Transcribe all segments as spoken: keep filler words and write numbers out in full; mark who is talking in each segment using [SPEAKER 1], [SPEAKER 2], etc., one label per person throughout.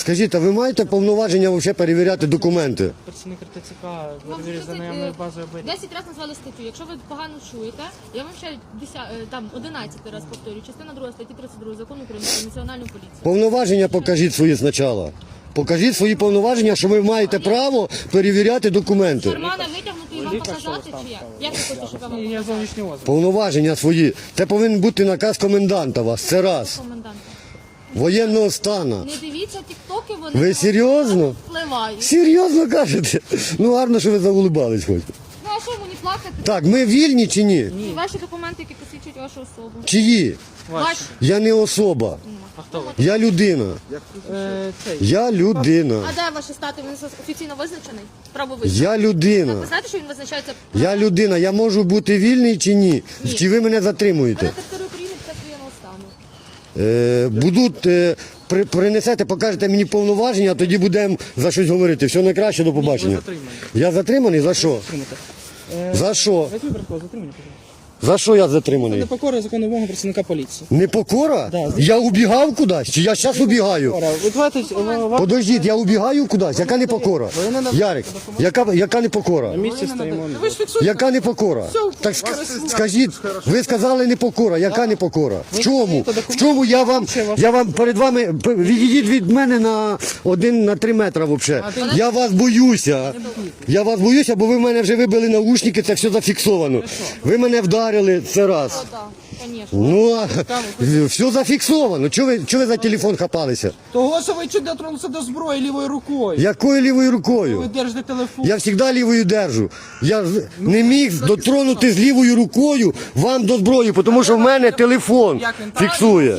[SPEAKER 1] Скажіть, а ви маєте повноваження взагалі перевіряти документи?
[SPEAKER 2] Працівник РТЦК
[SPEAKER 3] Вам
[SPEAKER 2] перевірить за наявною базою оберіг.
[SPEAKER 3] десять разів назвали статтю. Якщо ви погано чуєте, я вам ще десять, там одинадцятий раз повторюю. Частина друга статті тридцять два закону України про національну поліцію.
[SPEAKER 1] Повноваження покажіть свої спочатку. Покажіть свої повноваження, що ви маєте право перевіряти документи.
[SPEAKER 3] Кармана витягнути і вам показати, чи як? Як ви хочете, щоб я вам
[SPEAKER 2] Ні, я
[SPEAKER 3] показала?
[SPEAKER 2] зовнішній озвук.
[SPEAKER 1] Повноваження свої. Це повинен бути наказ коменданта вас. Це раз.
[SPEAKER 3] Комендант.
[SPEAKER 1] Воєнного стану.
[SPEAKER 3] Не дивіться тіктоки, вони
[SPEAKER 1] Ви серйозно?
[SPEAKER 3] впливають.
[SPEAKER 1] Серйозно кажете? Ну гарно, що ви заулибались хоч.
[SPEAKER 3] Ну а що мені плакати?
[SPEAKER 1] Так, ми вільні чи ні?
[SPEAKER 3] І ваші документи, які посвідчують вашу особу.
[SPEAKER 1] Чиї?
[SPEAKER 3] Ваші.
[SPEAKER 1] Я не особа.
[SPEAKER 2] А хто ви?
[SPEAKER 1] Я людина.
[SPEAKER 2] Е, цей.
[SPEAKER 1] Я людина.
[SPEAKER 3] А де ваші стати? Він офіційно визначений? Право визначений.
[SPEAKER 1] Я людина.
[SPEAKER 3] Ви знаєте, що він визначається?
[SPEAKER 1] Я людина. Я можу бути вільний чи ні?
[SPEAKER 3] Ні.
[SPEAKER 1] Чи ви мене
[SPEAKER 3] Ви
[SPEAKER 1] затримуєте?
[SPEAKER 3] на території України під час воєнного стану.
[SPEAKER 1] Е, будуть, е, при, принесете, покажете мені повноваження, а тоді будемо за щось говорити. Все найкраще, до побачення.
[SPEAKER 2] затримані.
[SPEAKER 1] Я затриманий? За що?
[SPEAKER 2] Затримайте. Е,
[SPEAKER 1] За що?
[SPEAKER 2] Візьми протокол, затримання, пожалуйста.
[SPEAKER 1] За що я затриманий?
[SPEAKER 2] Непокора закону вимоги працівника поліції.
[SPEAKER 1] Непокора?
[SPEAKER 2] Да.
[SPEAKER 1] Я убігав кудись? Чи я зараз убігаю?
[SPEAKER 2] Ора, ви давайте, е, вам
[SPEAKER 1] Подождіть, я убігаю кудись? Яка непокора?
[SPEAKER 2] Ви не надо-
[SPEAKER 1] Ярик, яка, яка непокора?
[SPEAKER 2] на місці стоїмо.
[SPEAKER 4] Ви ж фіксуєте.
[SPEAKER 1] Яка непокора? Так ск- скажіть, ви сказали непокора, яка непокора? В чому? В чому я вам, я вам перед вами, п- відійдіть від мене на один, на три метри взагалі. Я вас боюся. Я вас боюся, бо ви в мене вже вибили наушники, це все зафіксовано. Ви мене вдарили, це раз.
[SPEAKER 3] О, так, звісно.
[SPEAKER 1] Ну, а, все зафіксовано. Чого ви, чого ви за телефон хапалися?
[SPEAKER 4] Того, що ви чуть дотронулися до зброї лівою рукою.
[SPEAKER 1] Якою лівою
[SPEAKER 4] Ви
[SPEAKER 1] рукою?
[SPEAKER 4] держите телефон.
[SPEAKER 1] Я завжди лівою держу. Я ж не міг дотронути з лівою рукою вам до зброї, тому що в мене телефон
[SPEAKER 4] Як він там?
[SPEAKER 1] фіксує.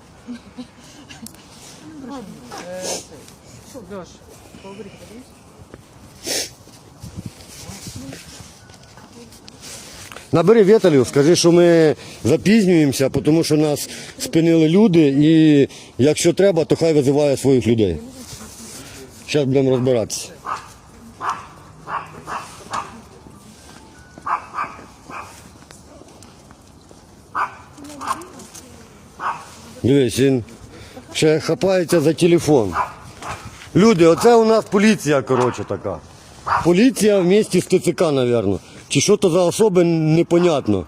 [SPEAKER 2] Льош,
[SPEAKER 1] Набери Віталію, скажи, що ми запізнюємося, тому що нас спинили люди, і якщо треба, то хай визиває своїх людей. Зараз будемо розбиратися. Дивись, він ще хапається за телефон. Люди, оце у нас поліція, коротше, така. Поліція в місті з ТЦК, мабуть. Чи що то за особи, непонятно.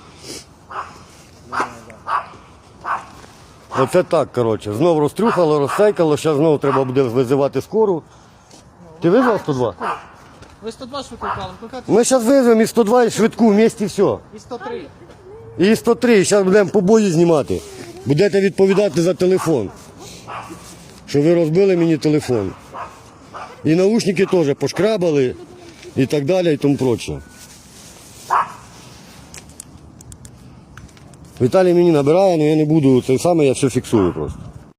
[SPEAKER 1] Оце так, коротше. Знов розтрюхало, розсейкало, зараз знову треба буде визивати скору. Ти визвав сто два?
[SPEAKER 4] Ви сто два ж викликали, викликати
[SPEAKER 1] Ми зараз визвемо і сто два, і швидку, вместе все.
[SPEAKER 4] і сто три.
[SPEAKER 1] І сто три, зараз будемо побої знімати. Будете відповідати за телефон. Що ви розбили мені телефон. І наушники теж пошкрабали і так далі, і тому проче. Віталій мені набирає, але я не буду, це саме я все фіксую просто.